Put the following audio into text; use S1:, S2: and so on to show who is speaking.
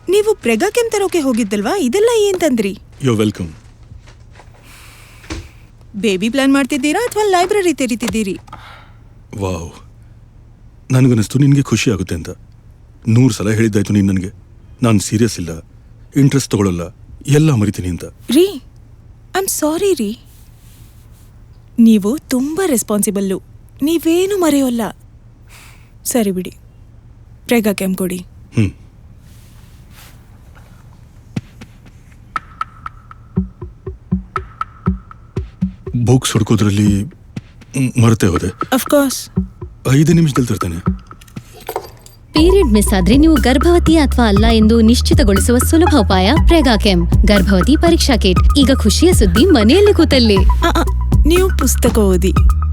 S1: ನೀವು ಪ್ರೆಗಾಕೆಮ್ ತರೋಕೆ ಹೋಗಿದ್ದಲ್ವಾ? ಇದೆಲ್ಲ ಏನ್ ತಂದ್ರಿ?
S2: You welcome.
S1: ಬೇಬಿ ಪ್ಲಾನ್ ಮಾಡ್ತಿದ್ದೀರಾ ಅಥವಾ ಲೈಬ್ರರಿ ತೆರಿತಿದ್ದೀರಿ?
S2: ವಾವ್, ನನಗನ್ನಿಸ್ತು ನಿನಗೆ ಖುಷಿ ಆಗುತ್ತೆ ಅಂತ. 100 ಸಲ ಹೇಳಿದ್ದಾಯ್ತು ನೀನು ನನಗೆ. ನಾನು ಸೀರಿಯಸ್ ಇಲ್ಲ, ಇಂಟ್ರೆಸ್ಟ್ ತಗೊಳ್ಳಲ್ಲ, ಎಲ್ಲ ಮರಿತೀನಿ ಅಂತ.
S1: ರೀ, ಐ ಆಮ್ ಸಾರಿ ರೀ. ನೀವು ತುಂಬ ರೆಸ್ಪಾನ್ಸಿಬಲ್ಲು, ನೀವೇನು ಮರೆಯೋಲ್ಲ. ಸರಿ ಬಿಡಿ, ಪ್ರೆಗಾಕೆಮ್ ಕೊಡಿ.
S2: ಬುಕ್ಸ್ ಹುಡ್ಕೋದ್ರಲ್ಲಿ ಮರೆತೇ ಹೋದೆ.
S1: ಅಫ್ಕೋರ್ಸ್.
S2: 5 ನಿಮಿಷದಲ್ಲಿ ತರ್ತಾನೆ.
S3: ಪೀರಿಯಡ್ ಮಿಸ್ ಆದ್ರೆ ನೀವು ಗರ್ಭವತಿ ಅಥವಾ ಅಲ್ಲ ಎಂದು ನಿಶ್ಚಿತಗೊಳಿಸುವ ಸುಲಭ ಉಪಾಯ ಪ್ರೆಗಾಕೆಮ್ ಗರ್ಭವತಿ ಪರೀಕ್ಷಾ ಕಿಟ್. ಈಗ ಖುಷಿಯ ಸುದ್ದಿ ಮನೆಯಲ್ಲಿ ಕೂತಲ್ಲಿ.
S1: ನೀವು ಪುಸ್ತಕ ಓದಿ.